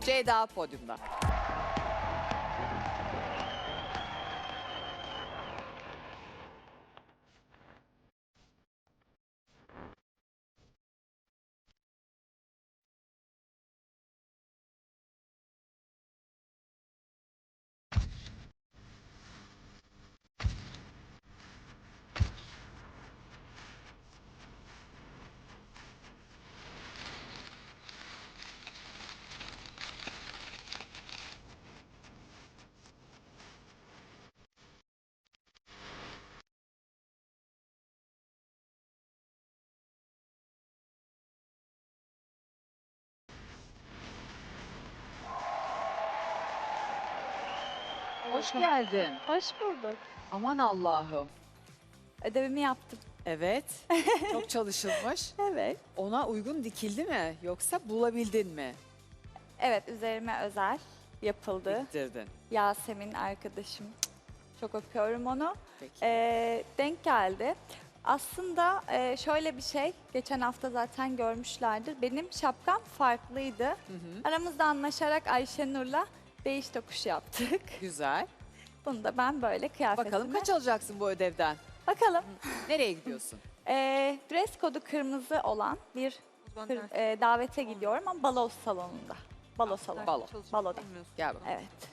Ceyda podyumda. Hoş geldin. Hoş bulduk. Aman Allah'ım. Ödevimi yaptım. Evet. Çok çalışılmış. Evet. Ona uygun dikildi mi? Yoksa bulabildin mi? Evet, üzerime özel yapıldı. Diktirdin. Yasemin arkadaşım. Çok öpüyorum onu. Peki. Denk geldi. Aslında şöyle bir şey, geçen hafta zaten görmüşlerdir. Benim şapkam farklıydı. Hı hı. Aramızda anlaşarak Ayşenur'la değiş tokuş yaptık. Güzel. Bunu da ben böyle kıyafetime... Bakalım kaç alacaksın bu ödevden? Bakalım. Nereye gidiyorsun? Dress kodu kırmızı olan bir davete gidiyorum ama balo salonunda. Balo salonu. Balo. Baloda. Gel bakalım. Evet.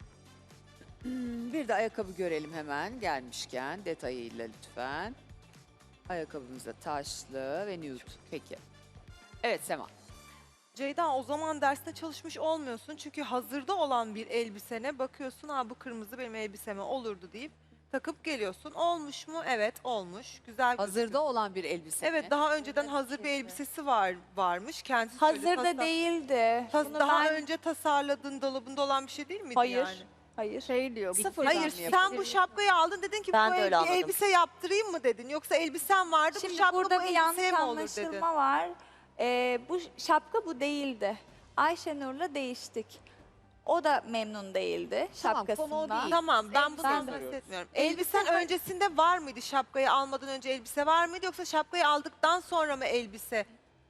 Bir de ayakkabı görelim hemen gelmişken detayıyla lütfen. Ayakkabımız da taşlı ve nude. Peki. Evet Sema. Ceyda, o zaman derste çalışmış olmuyorsun çünkü hazırda olan bir elbisene bakıyorsun, ha bu kırmızı benim elbiseme olurdu deyip takıp geliyorsun. Olmuş mu? Evet, olmuş. Güzel Hazırda gözüküyor. olan bir elbise mi? Evet, daha önceden hazır bir elbisesi varmış. Kendisi söyledi. Hazırda değildi. Bunu Daha ben- önce tasarladığın dolabında olan bir şey değil miydi Hayır. yani? Hayır. Şey diyor. Sıfırdan Hayır, mı sen yapıyorsun? bu şapkayı aldın, dedin ki Ben bu de öyle anladım. elbise yaptırayım mı dedin? Yoksa elbisen vardı, Şimdi bu şapka burada bu bir yanlış elbiseye mi olur dedin? anlaşılma var. Bu şapka bu değildi. Ayşenur'la değiştik. O da memnun değildi Tamam, konu o şapkasından. değil. Tamam, ben bunu Ben de- bahsetmiyorum. Elbisen öncesinde var mıydı? Şapkayı almadan önce elbise var mıydı? Yoksa şapkayı aldıktan sonra mı elbise?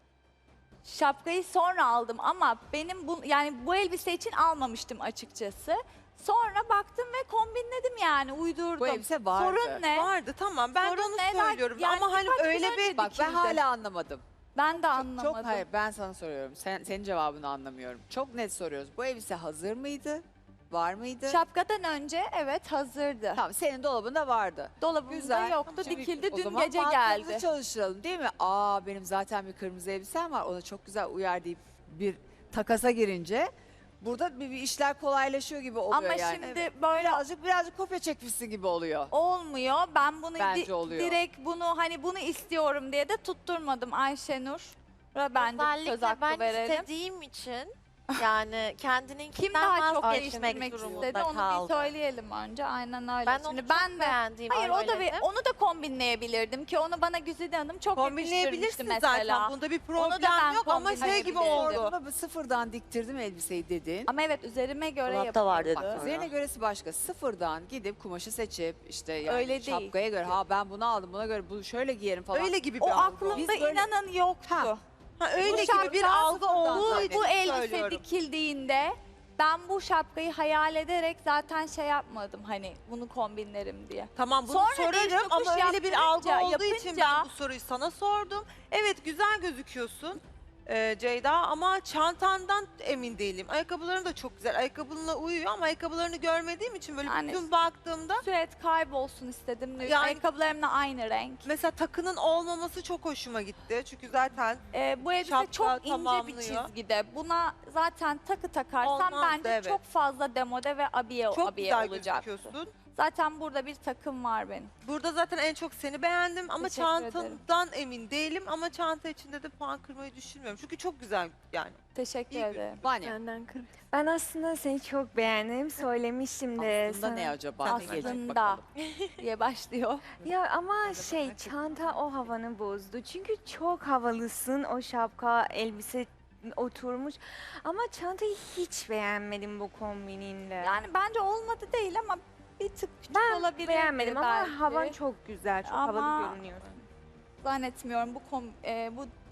Şapkayı sonra aldım ama benim bu elbise için almamıştım açıkçası. Sonra baktım ve kombinledim yani uydurdum. Bu elbise vardı. Sorun ne? Vardı, tamam. Ben de Sorun onu ne? Ben- söylüyorum. yani Ama hani birkaç gün öyle önce bir... Bak ben dikildi. hala anlamadım. Ben de Çok anlamadım. hayır ben sana soruyorum. Senin cevabını anlamıyorum. Çok net soruyoruz. Bu elbise hazır mıydı? Var mıydı? Şapkadan önce evet hazırdı. Tamam senin dolabında vardı. Dolabımda Güzel. yoktu, Şimdi dikildi o dün zaman gece mantığımızı geldi. çalıştıralım değil mi? Aa benim zaten bir kırmızı elbisem var. Ona çok güzel uyar deyip bir takasa girince burada bir işler kolaylaşıyor gibi oluyor Ama yani. şimdi böyle Birazcık kopya çekmişsin gibi oluyor. olmuyor. Ben bunu Bence oluyor. direkt bunu istiyorum diye de tutturmadım Ayşenur. Bence bir söz Özellikle hakkı ben verelim. istediğim için yani kendinin Kim daha çok vazgeçmek değiştirmek durumunda istedi onu kaldı. bir söyleyelim önce. Aynen öyle. Ben onu Şimdi çok ben de beğendiğim hayır söyledim. onu da kombinleyebilirdim ki onu bana Güzide Hanım çok yakıştırmıştı Kombinleyebilirsin mesela. zaten. Bunda bir Onu da ben problem yok ama şey gibi kombinleyebilirdim. oldu. Ama sıfırdan diktirdim elbiseyi dedin. Ama evet üzerime göre Dolapta var yapıldı. dedi. Bak üzerine göresi başka. Sıfırdan gidip kumaşı seçip işte yani Öyle değil. şapkaya göre ha ben bunu aldım buna göre bu şöyle giyerim falan. Öyle gibi bir O algı. aklımda Biz böyle- inanın yoktu. Ha, Ha, öyle Bu gibi bir şapka algı oldu. Bu elbise söylüyorum. dikildiğinde ben bu şapkayı hayal ederek zaten şey yapmadım hani bunu kombinlerim diye. Tamam bunu Sonra değiş sorarım tokuş ama öyle bir algı yaptırınca- olduğu için yapınca- ben bu soruyu sana sordum. Evet güzel gözüküyorsun Ceyda ama çantandan emin değilim. Ayakkabıların da çok güzel. Ayakkabınla uyuyor ama ayakkabılarını görmediğim için böyle Yani- bütün baktığımda Süet kaybolsun istedim. Yani- Ayakkabılarımla aynı renk. mesela takının olmaması çok hoşuma gitti. Çünkü zaten Bu elbise Şapka çok ince bir tamamlıyor. çizgide. Buna zaten takı takarsam Olmazdı, bence evet. çok fazla demode ve abiye çok güzel olacak. gözüküyorsun. Zaten burada bir takım var benim. Burada zaten en çok seni beğendim ama Teşekkür çantadan emin değilim ama çanta içinde de puan kırmayı düşünmüyorum. Çünkü çok güzel yani. Teşekkür İyi ederim. Vanya Ben aslında seni çok beğendim. Söylemiştim de aslında sana. ne acaba? Ne gelecek Aslında bakalım. diye başlıyor. Ya ama çanta o havanı bozdu. Çünkü çok havalısın. O şapka, elbise oturmuş. Ama çantayı hiç beğenmedim bu kombininle. Yani bence olmadı değil ama bir tık küçük ben olabilir. beğenmedim ama belki. havan çok güzel. Çok Ama- havalı görünüyorsun. Zannetmiyorum bu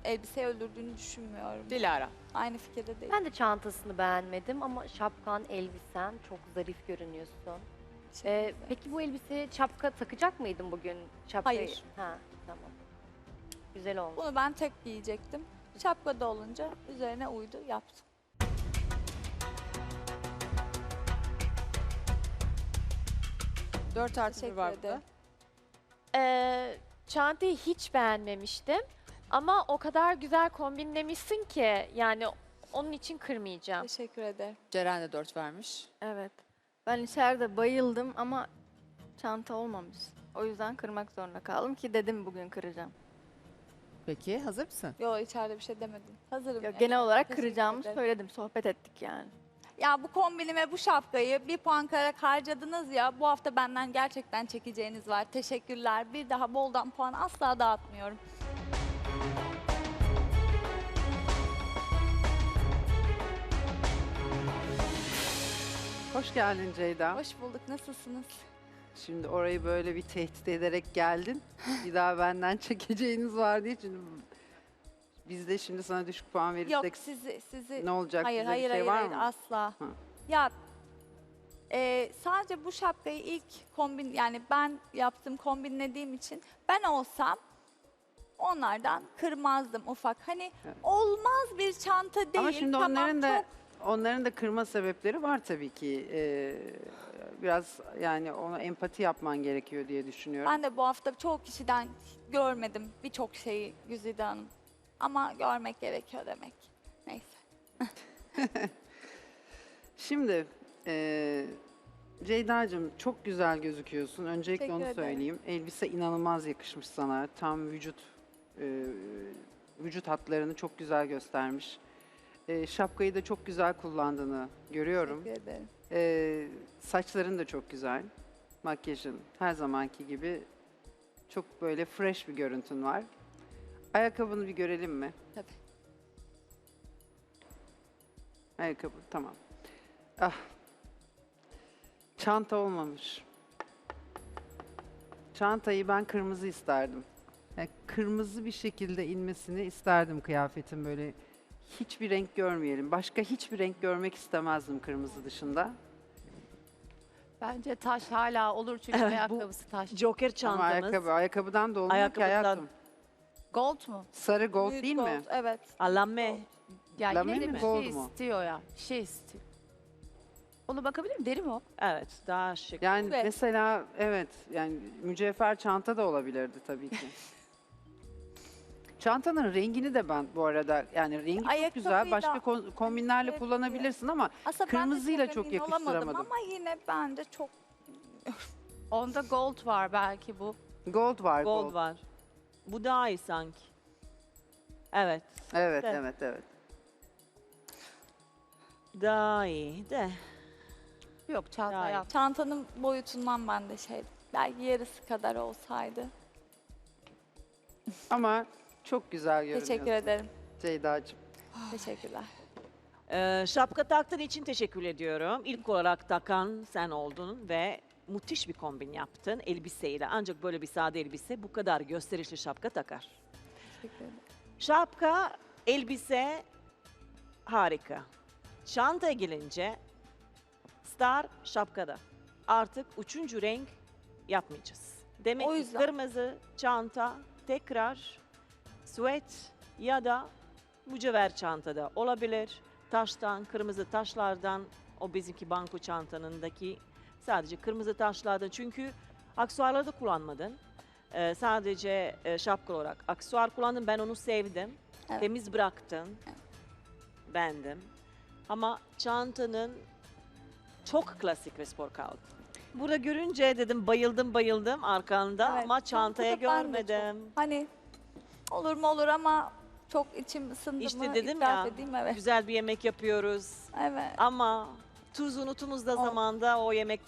elbiseyi öldürdüğünü düşünmüyorum. Dilara. Aynı fikirde değil. Ben de çantasını beğenmedim ama şapkan, elbisen çok zarif görünüyorsun. Teşekkür ederim. Peki bu elbiseye şapka takacak mıydın bugün? Şapkayı... Hayır. Ha, tamam. Güzel olmuş. Bunu ben tek giyecektim. Şapkada olunca üzerine uydu, yaptım. Dört artı bir Teşekkür var burada. ederim. Çantayı hiç beğenmemiştim. Ama o kadar güzel kombinlemişsin ki yani onun için kırmayacağım. Teşekkür ederim. Ceren de 4 vermiş. Evet. Ben içeride bayıldım ama çanta olmamış. O yüzden kırmak zorunda kaldım ki dedim bugün kıracağım. Peki hazır mısın? Yo, içeride bir şey demedim. Hazırım. Yok, yani. genel olarak Teşekkür kıracağımı ederim. söyledim. Sohbet ettik yani. Ya bu kombinime, bu şapkayı bir puan kırarak harcadınız ya. Bu hafta benden gerçekten çekeceğiniz var. Teşekkürler. Bir daha boldan puan asla dağıtmıyorum. Hoş geldin Ceyda. Hoş bulduk. Nasılsınız? Şimdi orayı böyle bir tehdit ederek geldin. Bir daha benden çekeceğiniz var diye. Şimdi biz de şimdi sana düşük puan Yok, verirsek sizi ne olacak? hayır Bize hayır bir şey hayır, var hayır mı? asla. Ha. Ya sadece bu şapkayı ilk kombin, yani ben yaptım, kombinlediğim için ben olsam onlardan kırmazdım ufak. Hani Evet. olmaz bir çanta değil. Ama şimdi tamam, onların da kırma sebepleri var tabii ki. Biraz yani ona empati yapman gerekiyor diye düşünüyorum. Ben de bu hafta çoğu kişiden görmedim birçok şeyi Güzide Hanım. Ama görmek gerekiyor demek. Neyse. Şimdi Ceyda'cığım çok güzel gözüküyorsun. Öncelikle Teşekkür onu ederim. söyleyeyim. Elbise inanılmaz yakışmış sana. Tam vücut hatlarını çok güzel göstermiş. Şapkayı da çok güzel kullandığını görüyorum. Teşekkür ederim. Saçların da çok güzel. Makyajın her zamanki gibi çok böyle fresh bir görüntün var. Ayakkabını bir görelim mi? Tabii. Ayakkabı tamam. Ah. Çanta olmamış. Çantayı ben kırmızı isterdim. Yani kırmızı bir şekilde inmesini isterdim kıyafetin böyle. Hiçbir renk görmeyelim. Başka hiçbir renk görmek istemezdim kırmızı dışında. Bence taş hala olur çünkü Evet, bu ayakkabısı taş. Joker Ama çantamız. ayakkabıdan da olmuyor ki Ayakkabıdan. hayatım. Gold mu? Sarı gold Nude değil gold, mi? Evet. Alame. Ya Lame yine de mi, bir gold şey mu? istiyor ya. Bir şey istiyor. Onu bakabilir miyim? Deri mi o? Evet, daha şık. Yani Evet. mesela evet yani mücevher çanta da olabilirdi tabii ki. Çantanın rengini de ben bu arada yani rengi çok Ayakkabıyı güzel. da- Başka kombinlerle Evet, kullanabilirsin ama Aslında kırmızıyla ben de çok emin olamadım yakıştıramadım. ama yine bence çok Onda gold var belki bu. gold var gold. Gold var. Bu daha iyi sanki. Evet, Evet Evet. evet evet. daha iyi de. Yok çanta Hayır. yap. çantanın boyutundan ben de belki yarısı kadar olsaydı. Ama çok güzel görünüyorsun. Teşekkür ederim. Ceyda'cığım. Teşekkürler. Şapka taktığın için teşekkür ediyorum. İlk olarak takan sen oldun ve müthiş bir kombin yaptın elbiseyle. Ancak böyle bir sade elbise bu kadar gösterişli şapka takar. Teşekkür ederim. Şapka, elbise harika. Çantaya gelince star şapkada. Artık üçüncü renk yapmayacağız. Demek O ki yüzden. kırmızı çanta tekrar süet ya da mücevher çantada olabilir. Taştan, kırmızı taşlardan o bizimki banko çantanındaki sadece kırmızı taşlardan çünkü aksesuarları da kullanmadın. Sadece şapka olarak aksesuar kullandın. Ben onu sevdim. Evet. Temiz bıraktın. Beğendim. Ama çantanın çok klasik ve spor kaldı. Burada görünce dedim bayıldım arkanda Evet, ama çantaya çantada ben de çok- görmedim. Hani olur mu olur ama çok içim ısındı İşte mı dedim itiraf ya, edeyim, evet. Güzel bir yemek yapıyoruz. Evet. Ama tuz unutumuzda O- zamanda o yemek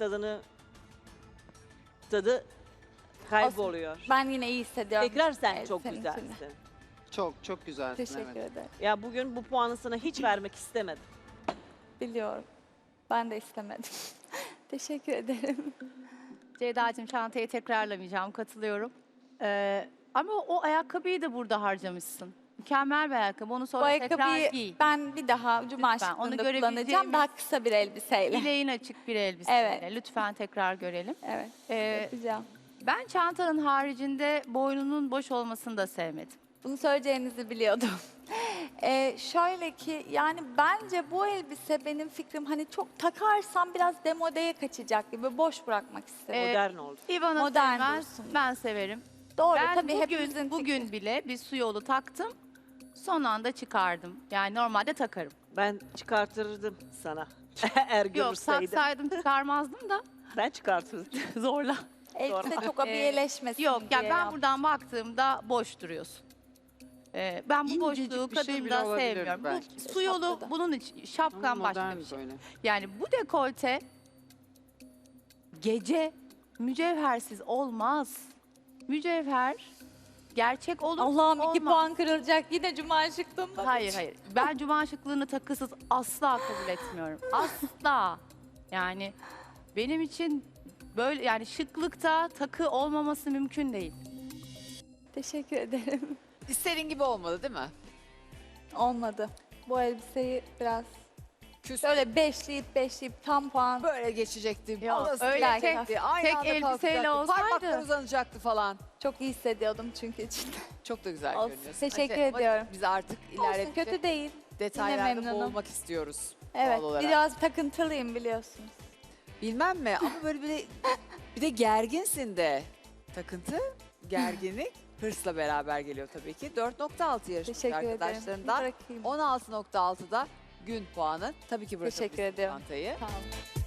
tadı kayboluyor. Ben yine iyi hissediyorum. Tekrar sen Evet, çok senin için de. güzelsin. Çok güzelsin Teşekkür evet. ederim. Ya bugün bu puanı sana hiç vermek istemedim. Biliyorum. Ben de istemedim. Teşekkür ederim. Ceyda'cığım çantayı tekrarlamayacağım. Katılıyorum. Ama o ayakkabıyı da burada harcamışsın. mükemmel bir ayakkabı. Onu Bu sonra tekrar ayakkabıyı giy. ben bir daha cuma Lütfen, onu şıklığında görebileceğimiz- kullanacağım. Daha kısa bir elbiseyle. Bileğin açık bir elbiseyle. Evet. Lütfen tekrar görelim. Evet, Ee, yapacağım. ben çantanın haricinde boynunun boş olmasını da sevmedim. Bunu söyleyeceğinizi biliyordum. Şöyle ki yani bence bu elbise benim fikrim hani çok takarsam biraz demodeye kaçacak gibi boş bırakmak istedim. Modern oldu. İvana Modern sevmez, dursun. ben severim. Doğru Ben tabii hepimizin bugün fikri. bile bir su yolu taktım. Son anda çıkardım. Yani normalde takarım. Ben çıkartırdım sana. Eğer Yok görürseydim. taksaydım çıkarmazdım da Ben çıkartırdım. zorla. Elbise çok abiyeleşmesin Yok ya diye ben yaptım. buradan baktığımda boş duruyorsun. Ben bu İncecik boşluğu bir şey bile kadında olabilir sevmiyorum. belki. Bu su yolu Şapkada. bunun için Ama şapkan başka modern bir şey. böyle. Yani bu dekolte gece mücevhersiz olmaz. Mücevher gerçek olur. Allah'ım 2 olmaz. puan kırılacak yine cuma şıklığında. Hayır. Ben cuma şıklığını takısız asla kabul etmiyorum. Asla. Yani benim için böyle yani şıklıkta takı olmaması mümkün değil. Teşekkür ederim. İstediğin gibi olmadı değil mi? Olmadı. Bu elbiseyi biraz Küs. böyle beşleyip tam puan. Böyle geçecekti. Ya, Orası öyle gelecekti, aynı tek anda elbiseyle kalkacaktı, olsaydı. Parmaklar uzanacaktı falan. Çok iyi hissediyordum çünkü içinde. Çok da güzel Olsun. görünüyorsun. Teşekkür Ama ediyorum. Biz artık Olsun ilerledikçe kötü değil. detaylarda memnunum. boğulmak istiyoruz. Evet doğal olarak. biraz takıntılıyım biliyorsunuz. Bilmem mi ama böyle bir de gerginsin de. Takıntı, gerginlik hırsla beraber geliyor tabii ki. 4.6 yarışmış Teşekkür ederim. arkadaşlarından. Bırakayım. 16.6'da gün puanı. Tabii ki bırakabilirsin Teşekkür ediyorum. çantayı. Sağ olun.